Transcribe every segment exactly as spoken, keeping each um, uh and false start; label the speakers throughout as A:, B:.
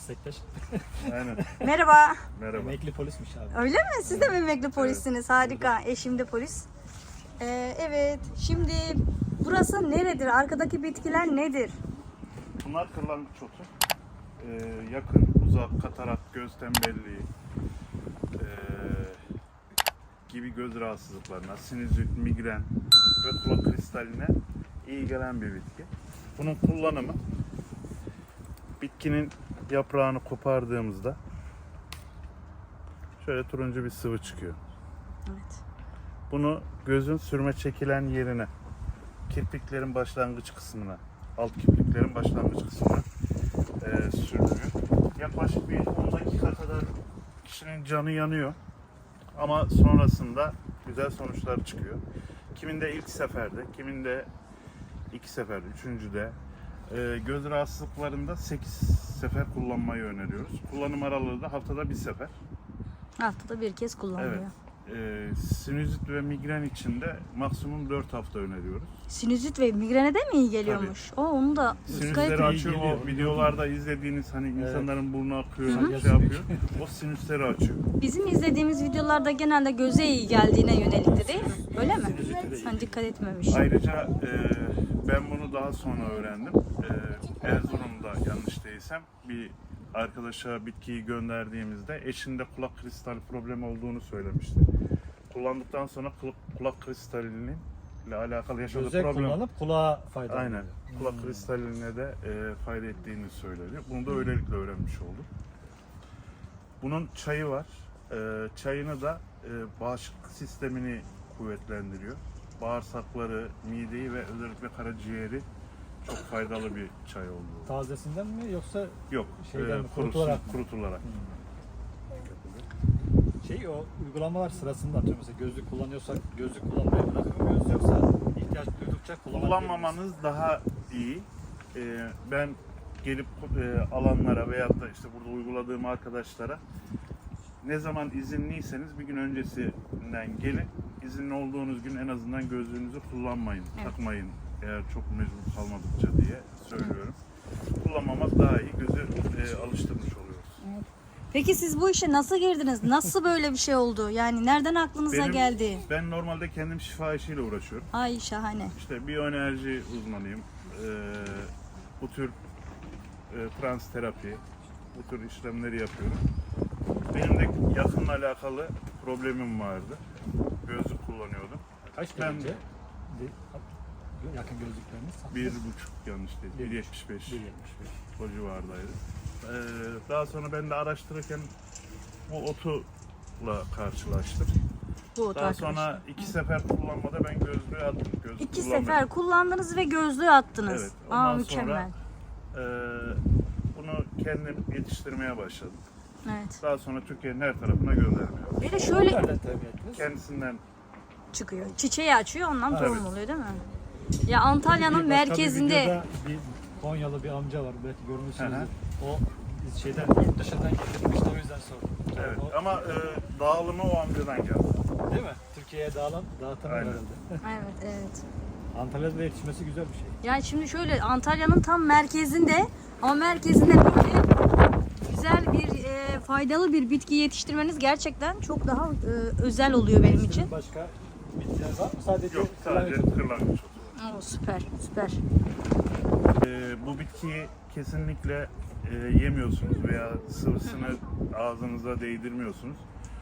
A: Meslektaş.
B: Aynen.
C: Merhaba.
B: Merhaba.
A: Emekli polismiş abi.
C: Öyle mi? Siz de mi emekli polissiniz? Harika. Eşim de polis. Ee, evet. Şimdi burası neredir? Arkadaki bitkiler nedir?
B: Bunlar kırlangıç otu. Ee, yakın, uzak, katarak, göz tembelliği ee, gibi göz rahatsızlıklarına, sinüzit, migren ve kulak kristaline iyi gelen bir bitki. Bunun kullanımı bitkinin yaprağını kopardığımızda şöyle turuncu bir sıvı çıkıyor.
C: Evet.
B: Bunu gözün sürme çekilen yerine, kirpiklerin başlangıç kısmına, alt kirpiklerin başlangıç kısmına e, sürülüyor. Yaklaşık bir on dakika kadar kişinin canı yanıyor. Ama sonrasında güzel sonuçlar çıkıyor. Kiminde ilk seferde, kiminde iki seferde, üçüncüde. E, göz rahatsızlıklarında sekiz sefer kullanmayı öneriyoruz. Kullanım aralığı da haftada bir sefer.
C: Haftada bir kez kullanılıyor.
B: Evet. Ee, sinüzit ve migren için de maksimum dört hafta öneriyoruz.
C: Sinüzit ve migrene de mi iyi geliyormuş? O onu da dikkat
B: Sinüsleri
C: edin.
B: açıyor.
A: geliyor.
B: O videolarda izlediğiniz hani
A: Evet.
B: insanların burnu akıyor,
A: Hı hı.
B: şey yapıyor. O sinüsleri açıyor.
C: Bizim izlediğimiz videolarda genelde göze iyi geldiğine yönelikti değil mi? Öyle mi?
A: Sinüzite de iyi.
C: Sen dikkat etmemiş.
B: Ayrıca e, ben bunu daha sonra öğrendim. E, Erzurum'da yanlış değilsem bir arkadaşa bitkiyi gönderdiğimizde eşinde kulak kristali problemi olduğunu söylemişti. Kullandıktan sonra kulak, kulak kristalinin ile alakalı yaşadığı
A: Göze
B: problem.
A: kullanıp kulağa faydalı.
B: Aynen. Kulak
A: Hmm.
B: kristaline de e, fayda ettiğini söyleniyor. Bunu da öylelikle öğrenmiş oldum. Bunun çayı var. E, çayını da e, bağışıklık sistemini kuvvetlendiriyor. Bağırsakları, mideyi ve özellikle karaciğeri çok faydalı bir çay oluyor.
A: Tazesinden mi yoksa
B: Yok,
A: Şeyden
B: e,
A: mi,
B: kurusu-
A: kurutularak mı?
B: kurutularak.
A: şey o uygulamalar sırasında atıyorum mesela gözlük kullanıyorsak gözlük kullanmayı bırakıyor muyuz yoksa ihtiyaç duydukça kullanabilir miyiz?
B: Kullanmamanız daha iyi. E, ben gelip e, alanlara veyahut da işte burada uyguladığım arkadaşlara ne zaman izinliyseniz bir gün öncesinden gelin. İzinli olduğunuz gün en azından gözlüğünüzü kullanmayın,
C: Evet.
B: takmayın eğer çok mecbur kalmadıkça diye söylüyorum. Kullanmamak daha iyi, gözü e, alıştırmış oluyoruz.
C: Peki siz bu işe nasıl girdiniz? Nasıl böyle bir şey oldu? Yani nereden aklınıza
B: Benim-
C: geldi?
B: Ben normalde kendim şifa işiyle uğraşıyorum.
C: Ay şahane.
B: İşte biyoenerji uzmanıyım. Ee, bu tür e, trans terapi, bu tür işlemleri yapıyorum. Benim de yakınla alakalı problemim vardı. Gözlük kullanıyordum.
A: Kaç
B: Ben-
A: derece? De- yakın gözlükleriniz?
B: Bir buçuk yanlış değil, bir yetmiş beş
A: bir yetmiş beş.
B: o civardaydı. Ee, daha sonra ben de araştırırken bu otuyla karşılaştım.
C: Bu otu
B: Daha
C: arkadaşlar.
B: sonra iki sefer kullanmada ben gözlüğü attım. Gözlük
C: İki
B: kullanmadım.
C: sefer kullandınız ve gözlüğü attınız.
B: Evet,
C: Aa
B: ondan
C: mükemmel.
B: Ee, bunu kendim yetiştirmeye başladım.
C: Evet.
B: Daha sonra Türkiye'nin her tarafına göndermeye
C: Bir de şöyle
A: Nereden temin ettiniz?
B: kendisinden
C: çıkıyor. Çiçeği açıyor ondan
B: Evet.
C: tohum oluyor değil mi? Ya Antalya'nın
A: Bir başka bir
C: merkezinde
A: videoda bir Konyalı bir amca var belki
B: Hı hı.
A: görmüşsünüzdür. O biz şeyden yurt dışından getirmişti o yüzden sordum.
B: evet
A: O-
B: ama e, dağılımı o amcadan geldi.
A: Değil mi? Türkiye'ye dağılan, dağıtan
B: Aynen.
A: herhalde.
C: evet evet.
A: Antalya'da yetişmesi güzel bir şey.
C: Yani şimdi şöyle Antalya'nın tam merkezinde ama merkezinde böyle güzel bir e, faydalı bir bitki yetiştirmeniz gerçekten çok daha e, özel oluyor benim için.
A: Sizin başka bitkiler var mı? Sadece
B: Yok sadece
A: kırlangıç.
B: kırlangıç otu var.
C: Oo, süper süper.
B: E, bu bitkiyi kesinlikle e, yemiyorsunuz veya sıvısını ağzınıza değdirmiyorsunuz.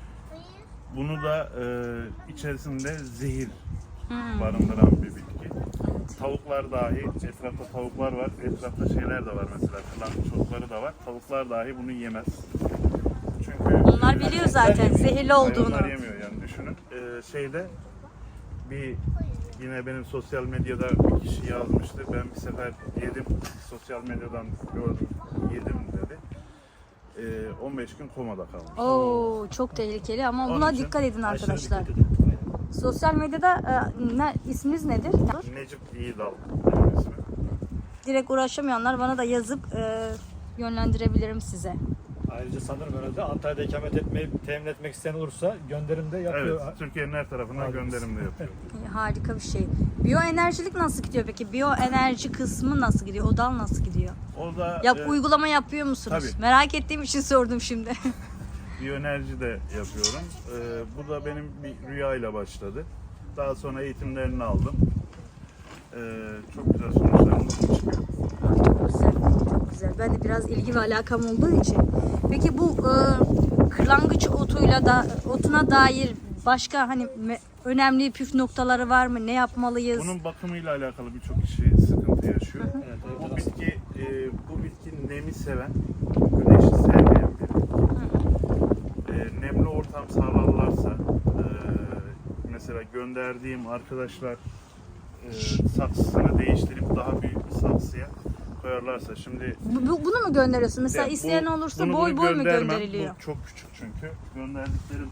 B: Bunu da e, içerisinde zehir
C: Hmm.
B: barındıran bir bitki. Tavuklar dahi, etrafta tavuklar var, etrafta şeyler de var mesela, kırlangıç otları da var. Tavuklar dahi bunu yemez. Çünkü
C: Onlar biliyor zaten zehirli olduğunu.
B: hayvanlar yemiyor yani düşünün. Ee, şeyde bir yine benim sosyal medyada bir kişi yazmıştı. Ben bir sefer yedim, sosyal medyadan gördüm, yedim dedi. Ee, on beş gün komada kalmış.
C: Oo çok tehlikeli ama
B: Onun
C: buna
B: için
C: dikkat edin
A: Aşırı
C: arkadaşlar.
A: dikkat edin. Aynen.
C: Sosyal medyada e, ne, isminiz nedir?
B: Necip İyidal benim ismim.
C: Direkt uğraşamayanlar bana da yazıp e, yönlendirebilirim size.
A: Ayrıca sanırım herhalde Antalya'da ikamet etmeyi temin etmek isteyen olursa gönderim de yapıyor.
B: Evet, Türkiye'nin her tarafına
A: Harika.
B: gönderim de yapıyor.
C: İyi, harika bir şey. Biyoenerjilik nasıl gidiyor peki? Biyoenerji kısmı nasıl gidiyor? O dal nasıl gidiyor?
B: O da
C: Yap
B: e,
C: uygulama yapıyor musunuz?
B: tabii.
C: Merak ettiğim için sordum şimdi.
B: biyoenerji de yapıyorum. E, bu da benim bir rüyayla başladı. Daha sonra eğitimlerini aldım. E, çok güzel sonuçlarımız çıkıyor.
C: Çok güzel, çok güzel. Ben de biraz ilgi ve alakam olduğu için. Peki bu e, kırlangıç otuyla da otuna dair başka hani me- önemli püf noktaları var mı? Ne yapmalıyız?
B: Bunun bakımıyla alakalı birçok kişi sıkıntı yaşıyor.
A: Evet,
B: Bu
A: evet,
B: bitki, e, bu bitki nemi seven, güneşi sevmeyen bir bitki. E, nemli ortam sağlarlarsa, e, mesela gönderdiğim arkadaşlar e, saksısını değiştirip daha büyük bir saksıya koyarlarsa, şimdi
C: Bu- bu- bunu mu gönderiyorsun? Mesela
B: ya bu-
C: isteyen olursa
B: bunu-
C: boy
B: bunu
C: boy mu
B: göndermem.
C: gönderiliyor?
B: Bu çok küçük çünkü. Gönderdiklerim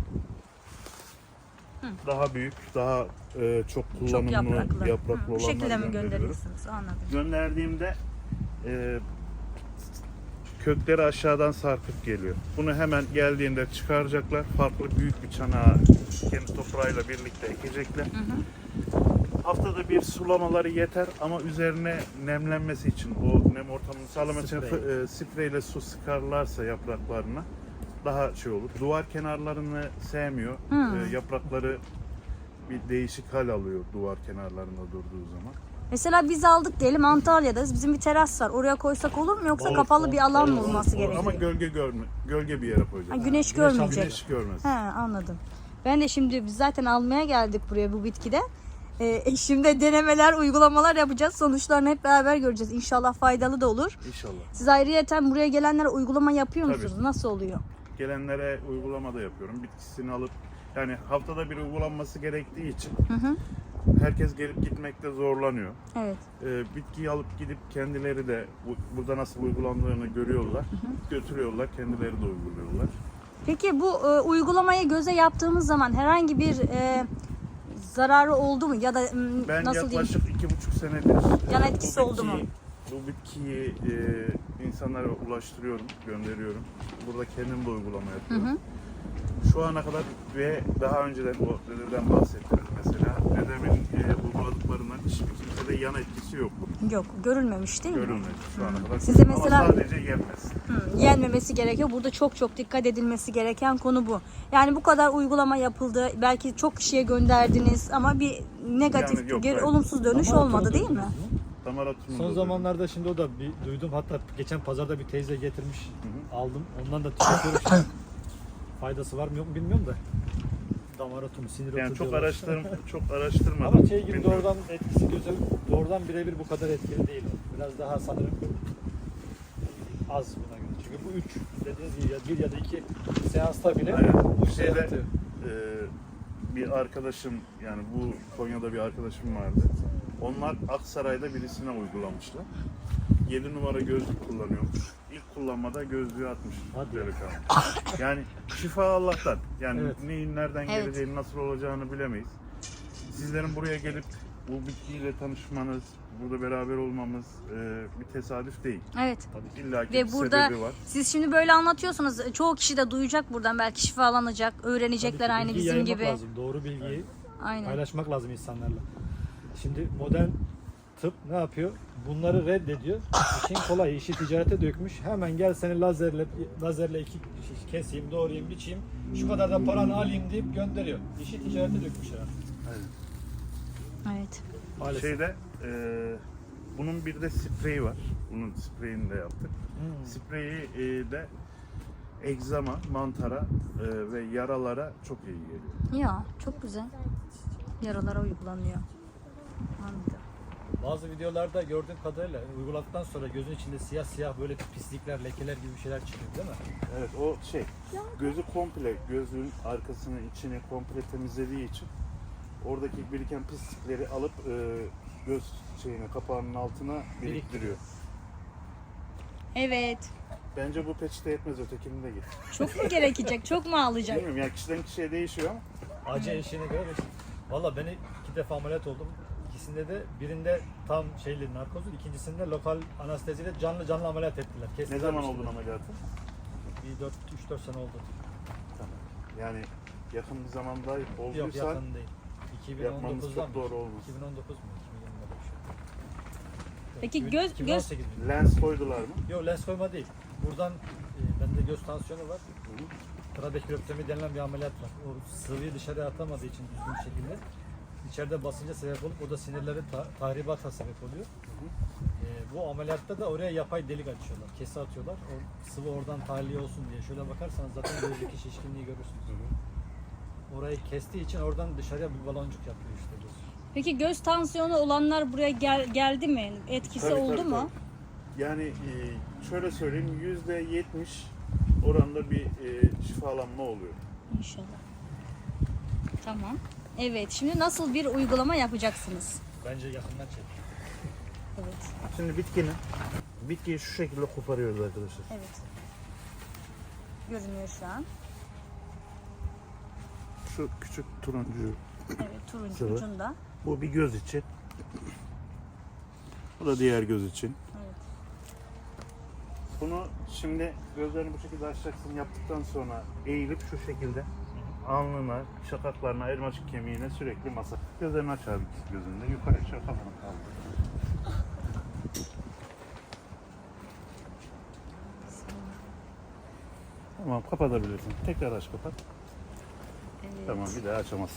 B: daha büyük, daha e, çok
C: Çok
B: kullanımlı
C: yapraklı.
B: yapraklı,
C: Hı, bu
B: olanları
C: şekilde mi
B: gönderiyorum.
C: gönderiyorsunuz? Anladım.
B: Gönderdiğimde e, kökleri aşağıdan sarkıp geliyor. Bunu hemen geldiğinde çıkaracaklar. Farklı büyük bir çanağa kendi toprağıyla birlikte ekecekler.
C: Hı hı.
B: Haftada bir sulamaları yeter ama üzerine nemlenmesi için, o nem ortamını sağlamak için
A: Sprey.
B: e, spreyle su sıkarlarsa yapraklarına daha şey olur. Duvar kenarlarını sevmiyor.
C: Hmm.
B: E, yaprakları bir değişik hal alıyor duvar kenarlarında durduğu zaman.
C: Mesela biz aldık diyelim Antalya'dayız. Bizim bir teras var. Oraya koysak olur mu yoksa
B: Olur,
C: kapalı bir alan mı
A: olur,
C: olması
A: olur.
C: gerekiyor?
B: Ama gölge görme, gölge bir yere koyacağız.
C: Ha, güneş
A: güneş
C: görmeyecek.
B: Güneş görmez.
C: He, anladım. Ben de şimdi biz zaten almaya geldik buraya bu bitkide. Ee, eşimde denemeler, uygulamalar yapacağız. Sonuçlarını hep beraber göreceğiz. İnşallah faydalı da olur.
B: İnşallah.
C: Siz ayrıyeten buraya gelenlere uygulama yapıyor
B: Tabii.
C: musunuz? Nasıl oluyor?
B: Gelenlere uygulama da yapıyorum. Bitkisini alıp, yani haftada bir uygulanması gerektiği için
C: Hı hı.
B: herkes gelip gitmekte zorlanıyor.
C: Evet.
B: Ee, bitkiyi alıp gidip kendileri de bu- burada nasıl uygulandığını görüyorlar. Götürüyorlar, kendileri de uyguluyorlar.
C: Peki bu e, uygulamayı göze yaptığımız zaman herhangi bir e, zararı oldu mu? Ya da m,
B: Ben
C: nasıl diyeyim?
B: yaklaşık iki buçuk senedir
C: Yan
B: e,
C: etkisi
B: bu
C: oldu mu?
B: bitkiyi- Bu bitkiyi e, insanlara ulaştırıyorum, gönderiyorum. Burada kendim de uygulama
C: Hı
B: yapıyorum.
C: hı.
B: Şu ana kadar ve daha önceden o dededen bahsettiniz mesela. Dedemin e, uyguladıklarından hiçbir kimsede yan etkisi yok.
C: Yok, görülmemiş değil mi?
B: Görülmedi şu ana kadar.
C: Size mesela-
B: Ama sadece yenmez.
C: Hı, yenmemesi gerekiyor. Burada çok çok dikkat edilmesi gereken konu bu. Yani bu kadar uygulama yapıldı. Belki çok kişiye gönderdiniz ama bir negatif,
B: Yani yok,
C: geri,
B: hayır.
C: olumsuz dönüş
A: Ama
C: olmadı değil mi?
A: duydunuz mu?
B: Damar atımı
A: Son
B: da
A: zamanlarda şimdi o da bir duydum. Hatta geçen pazarda bir teyze getirmiş.
B: hı.
A: Aldım. Ondan da tüketiyorum şimdi. Faydası var mı yok mu bilmiyorum da. Damar atumu, sinir otu
B: yani çok
A: diyorlar.
B: araştırm çok araştırmadım.
A: Ama şey gibi
B: Bilmiyorum.
A: doğrudan etkisi göze doğrudan birebir bu kadar etkili değil. o. Biraz daha sanırım az buna göre. Çünkü bu üç dediğiniz gibi ya bir ya da iki seansta bile
B: Aynen.
A: bu şey
B: Şeyde,
A: yaratıyor.
B: e, bir arkadaşım, yani bu Konya'da bir arkadaşım vardı. Onlar Aksaray'da birisine uygulamışlar. yedi numara gözlük kullanıyormuş. İlk kullanmada gözlüğü atmış.
A: Hadi ya.
B: delikanlı. Yani şifa Allah'tan. Yani
A: Evet.
B: neyin nereden
C: Evet.
B: geleceğini, nasıl olacağını bilemeyiz. Sizlerin buraya gelip bu bitkiyle tanışmanız, burada beraber olmamız e, bir tesadüf değil.
C: Evet.
B: İlla ki
C: Ve
B: bir
C: burada
B: sebebi var.
C: siz şimdi böyle anlatıyorsunuz. Çoğu kişi de duyacak buradan. Belki şifalanacak, öğrenecekler
A: Tabii ki
C: aynı
A: bilgiyi
C: bizim
A: yaymak
C: gibi.
A: lazım. Doğru bilgiyi
C: Aynen.
A: paylaşmak lazım insanlarla. Şimdi modern tıp ne yapıyor? Bunları reddediyor. İşin kolay, işi ticarete dökmüş. Hemen gel seni lazerle lazerle iki keseyim, doğrayayım, biçeyim. Şu kadar da paranı alayım deyip gönderiyor. İşi ticarete dökmüşler artık.
C: Evet.
A: Maalesef.
B: Şeyde e, bunun bir de spreyi var. Bunun spreyini de yaptık.
A: Hmm.
B: Spreyi e, de egzama, mantara e, ve yaralara çok iyi geliyor.
C: Ya çok güzel. Yaralara uygulanıyor. Anladım.
A: Bazı videolarda gördüğüm kadarıyla uyguladıktan sonra gözün içinde siyah siyah böyle pislikler, lekeler gibi bir şeyler çıkıyor değil mi?
B: Evet, o şey, gözü komple, gözün arkasını, içini komple temizlediği için oradaki biriken pislikleri alıp e, göz şeyine, kapağının altına biriktiriyor.
C: Evet.
B: Bence bu peçete yetmez, ötekini de git.
C: Çok mu gerekecek? Çok mu alacak?
B: Bilmiyorum yani, kişiden kişiye değişiyor ama
A: Acı eşiğine göre de. Valla ben iki defa ameliyat oldum. İkisinde de birinde tam şeyli narkozlu, ikincisinde lokal anesteziyle canlı canlı ameliyat ettiler.
B: ne
A: Kestiler
B: zaman
A: bir şey.
B: oldun ameliyatı?
A: Bir dört üç dört sene oldu.
B: Tamam. Yani yakın bir zamanda
A: Yok
B: olduysa
A: yakın değil.
B: yapmamız
A: iki bin on dokuzdan
B: çok doğru olmaz.
A: iki bin on dokuz mu? iki bin yirmide bir şey.
C: Peki
A: iki bin-
C: göz-
A: iki bin on sekiz mi?
B: lens koydular mı?
A: Yok lens koyma değil. Buradan e, bende göz tansiyonu var.
B: Hı hı.
A: Trabeküloptomi denilen bir ameliyat var. O sıvıyı dışarıya atamadığı için düzgün bir şekilde içeride basınca sebep olup o da sinirleri ta- tahribata sebep oluyor. E, bu ameliyatta da oraya yapay delik açıyorlar. Kesi atıyorlar. O sıvı oradan tahliye olsun diye. Şöyle bakarsanız zaten gözdeki şişkinliği görürsünüz. Orayı kestiği için oradan dışarıya bir baloncuk yapıyor işte göz.
C: Peki göz tansiyonu olanlar buraya gel- geldi mi? Etkisi
B: Tabii,
C: oldu
B: tabii,
C: mu?
B: tabii. Yani e, şöyle söyleyeyim yüzde yetmiş oranda bir e, şifalanma oluyor.
C: İnşallah. Tamam. Evet, şimdi nasıl bir uygulama yapacaksınız?
A: Bence yakından çek.
C: Evet.
B: Şimdi bitkinin bitkiyi şu şekilde koparıyoruz arkadaşlar.
C: Evet. Görünüyor şu an.
B: Şu küçük turuncu
C: Evet, turuncu
B: Sıvı.
C: ucunda.
B: bu bir göz için. Bu da diğer göz için.
C: Evet.
B: Bunu şimdi gözlerini bu şekilde açacaksın. Yaptıktan sonra eğilip şu şekilde alnına, şakaklarına, elmacık kemiğine sürekli masa. Gözlerini aç abi ikisi gözünde. Yukarı aşağı kafanı kaldır. Tamam kapatabilirsin. Tekrar aç kapat.
C: Evet.
B: Tamam bir daha açamazsın.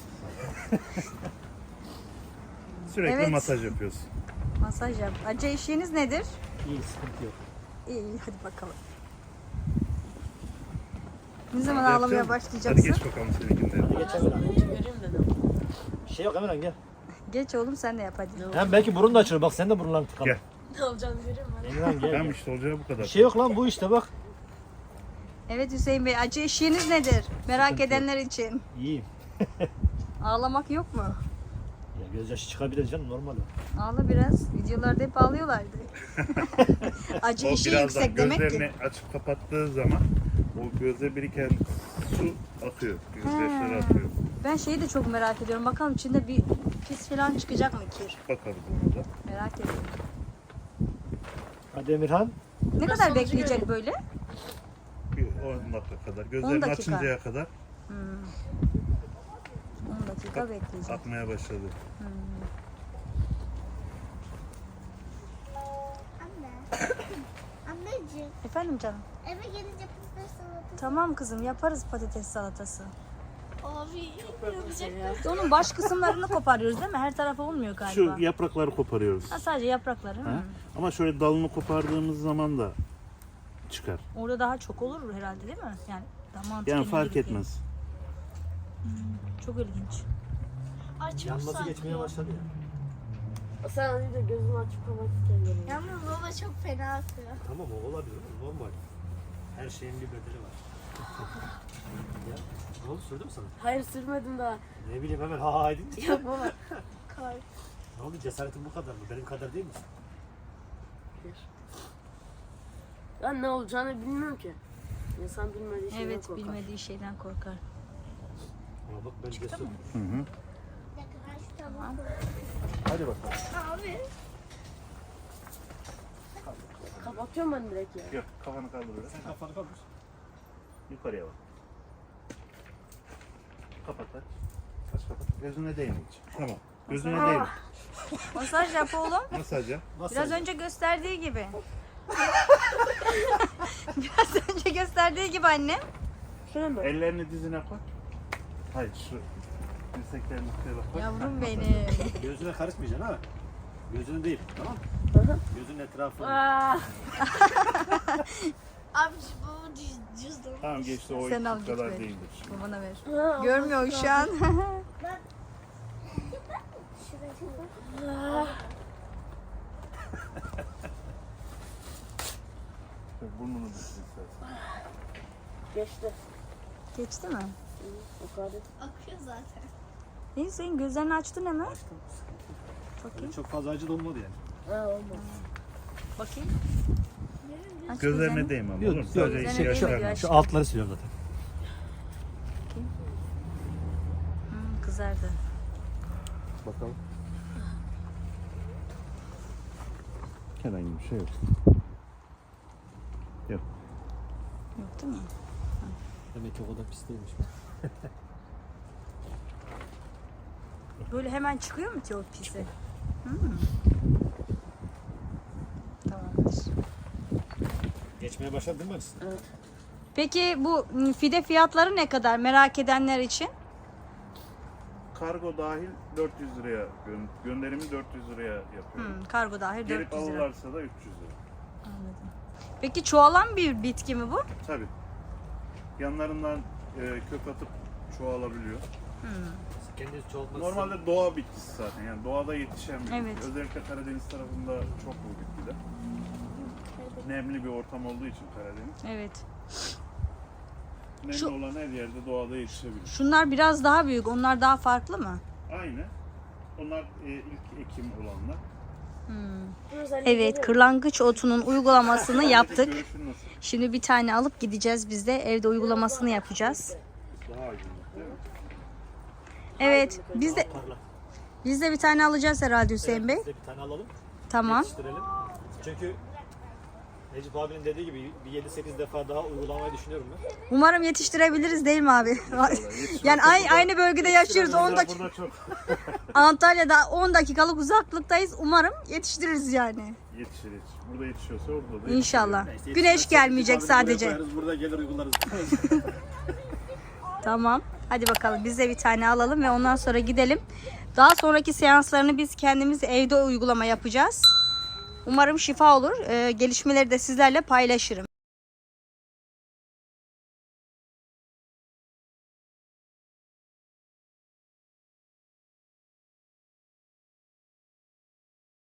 B: Sürekli
C: Evet.
B: masaj yapıyorsun.
C: Masaj yap. Acı eşiğiniz nedir?
A: İyi sıkıntı yok.
C: İyi, iyi, hadi bakalım. Ne zaman
B: Hadi
C: ağlamaya
B: yapacağım.
C: başlayacaksın?
B: Hadi geç bakalım seninkinde.
A: Geç Emirhan. Bir şey yok Emirhan gel.
C: Geç oğlum, sen de yap hadi.
A: Hem belki burun da açılır. Bak sen de burunlarını tıkadın.
B: Gel.
D: Ne olacağını görüyorum ben.
A: Emirhan gel.
B: Tamam
A: gel.
B: işte olacağı bu kadar.
A: Bir şey yok lan bu işte bak.
C: Evet Hüseyin Bey, acı eşiğiniz nedir? Merak edenler için.
A: İyiyim.
C: Ağlamak yok mu?
A: Ya gözyaşı çıkabilir canım normal o.
C: Ağla biraz. Videolarda hep ağlıyorlardı. Acı
B: O
C: eşiği
B: birazdan
C: yüksek demek
B: gözlerini
C: ki.
B: açıp kapattığı zaman o göze biriken su akıyor. Gözyaşları akıyor.
C: Ben şeyi de çok merak ediyorum. Bakalım içinde bir pis falan çıkacak mı kir?
B: Bakarız ona da.
C: Merak ediyorum.
A: Hadi Emirhan.
C: Ne kadar bekleyecek böyle?
B: Bir on dakika kadar. Gözlerini
C: dakika.
B: açıncaya kadar
C: Hmm. on dakika bekleyecek.
B: akmaya başladı.
E: Anne. Anneciğim,
C: Efendim canım.
E: eve gelince patates salatası.
C: Tamam kızım, yaparız patates salatası.
E: Abi, yapacak.
C: Onun baş kısımlarını koparıyoruz değil mi? Her tarafı olmuyor galiba.
B: Şu yaprakları koparıyoruz.
C: Ha, sadece yaprakları.
B: Ha?
C: Hı.
B: Ama şöyle dalını kopardığımız zaman da çıkar.
C: Orada daha çok olur herhalde değil mi? Yani daha mantıklı.
B: Yani fark
C: gibi.
B: etmez.
C: Çok ilginç.
E: Ay çok
A: Yanması
E: saçma.
A: geçmeye başladı ya.
D: Sen az önce gözümü açıp kapatırken görüyorum.
E: Yalnız baba çok fena atıyor.
A: Tamam o olabilir normal. Her şeyin bir bedeli var. Ya, ne oldu sürdü mü sana?
D: Hayır sürmedim daha.
A: Ne bileyim hemen ha ha edince.
D: Yok baba.
E: Kar.
A: Ne oldu cesaretin bu kadar mı? Benim kadar değil misin?
D: Ben ne olacağını bilmiyorum ki. İnsan bilmediği şeyden
C: Evet,
D: korkar.
C: bilmediği şeyden korkar.
A: Ama bak ben cesur.
B: Hı hı.
E: Bir dakika ben şu tabağı koyayım.
B: Hadi bakalım.
E: Abi.
D: Kapatıyorum ben direkt ya.
B: Yok kafanı kaldır öyle.
A: Sen kafanı kaldır.
B: Yukarıya bak. Kapat aç. Aç kapat. Gözüne değme hiç. Tamam. Gözüne değme.
C: Masaj yap oğlum.
B: Masaj yap.
C: Biraz önce gösterdiği gibi. Biraz önce gösterdiği gibi annem.
D: Şöyle mi?
B: Ellerini dizine koy. Hayır şu dirseklerini üstüne bak. koy.
C: Yavrum benim.
A: Gözüne karışmayacaksın ha. Gözünü değil tamam mı?
D: Hı hı.
A: Gözünün etrafını.
D: Aa,
E: Abi şu baba cüz- cüzdan.
B: Tamam geçti o
C: Sen al,
B: iki kadar
C: git ver.
B: değildir.
C: Babana ver.
D: ha,
C: Görmüyor şu an.
E: Şuraya.
B: Burnunu düşür istersen.
D: geçti.
C: Geçti mi?
D: Hı, o kadar.
E: Akıyor zaten.
C: İyi, senin gözlerini açtın hemen.
A: Açtım.
C: Bakayım.
A: Çok fazla acı da olmadı yani.
D: Ha olmaz.
C: Bakayım. Aç
B: Gözlerine
C: gözlerini.
B: değme ama
A: Yok,
B: olur mu?
A: yok.
B: Sadece
C: Gözlerine
B: iki
C: değme
B: yaşlarına.
C: diyor.
A: Şu altları siliyorum zaten.
C: Hmm, kızardı.
B: Bakalım. Herhangi bir şey yok. Yok.
C: Yok değil mi?
A: Demek ki o kadar pis değilmiş.
C: Böyle hemen çıkıyor mu ki o pisi? Hmm. Tamamdır.
A: Geçmeye başladı değil mi?
D: Evet.
C: Peki bu fide fiyatları ne kadar merak edenler için?
B: Kargo dahil dört yüz liraya gö- gönderimi dört yüz liraya yapıyorum.
C: Hmm, kargo dahil
B: Gelip
C: dört yüz lira.
B: alırlarsa da üç yüz lira.
C: Anladım. Peki çoğalan bir bitki mi bu?
B: Tabii. Yanlarından e, kök atıp çoğalabiliyor.
A: Kendiniz çoğaltmak
B: Normalde doğa bitkisi zaten. Yani doğada yetişen bir bitki.
C: Evet.
B: Özellikle Karadeniz tarafında çok bu bitkiler. Nemli bir ortam olduğu için Karadeniz.
C: Evet.
B: Nemli
C: Şu-
B: olan her yerde doğada yetişebilir.
C: Şunlar biraz daha büyük. Onlar daha farklı mı?
B: Aynı. Onlar e, ilk ekim olanlar.
C: Evet, kırlangıç otunun uygulamasını yaptık.
B: Görüşün nasıl?
C: Şimdi bir tane alıp gideceğiz biz de. Evde uygulamasını yapacağız.
B: Daha aydınlık değil mi?
C: Evet, biz de
A: Parlak.
C: biz de bir tane alacağız herhalde Hüseyin Bey.
A: Biz de bir tane alalım.
C: Tamam.
A: Yetiştirelim. Çünkü Necip abinin dediği gibi bir yedi sekiz defa daha uygulamayı düşünüyorum ben.
C: Umarım yetiştirebiliriz değil mi abi? Yani aynı, aynı bölgede yaşıyoruz. on dakika,
B: Burada çok
C: Antalya'da on dakikalık uzaklıktayız. Umarım yetiştiririz yani.
B: yetişir yetişir. Burada yetişiyorsa orada da
C: İnşallah.
A: Neyse,
C: Güneş
A: yetişmezse
C: gelmeyecek
A: Necip abini buraya
C: sadece.
A: koyarız, burada gelir uygularız.
C: Tamam. Hadi bakalım biz de bir tane alalım ve ondan sonra gidelim. Daha sonraki seanslarını biz kendimiz evde uygulama yapacağız. Umarım şifa olur. Ee, gelişmeleri de sizlerle paylaşırım.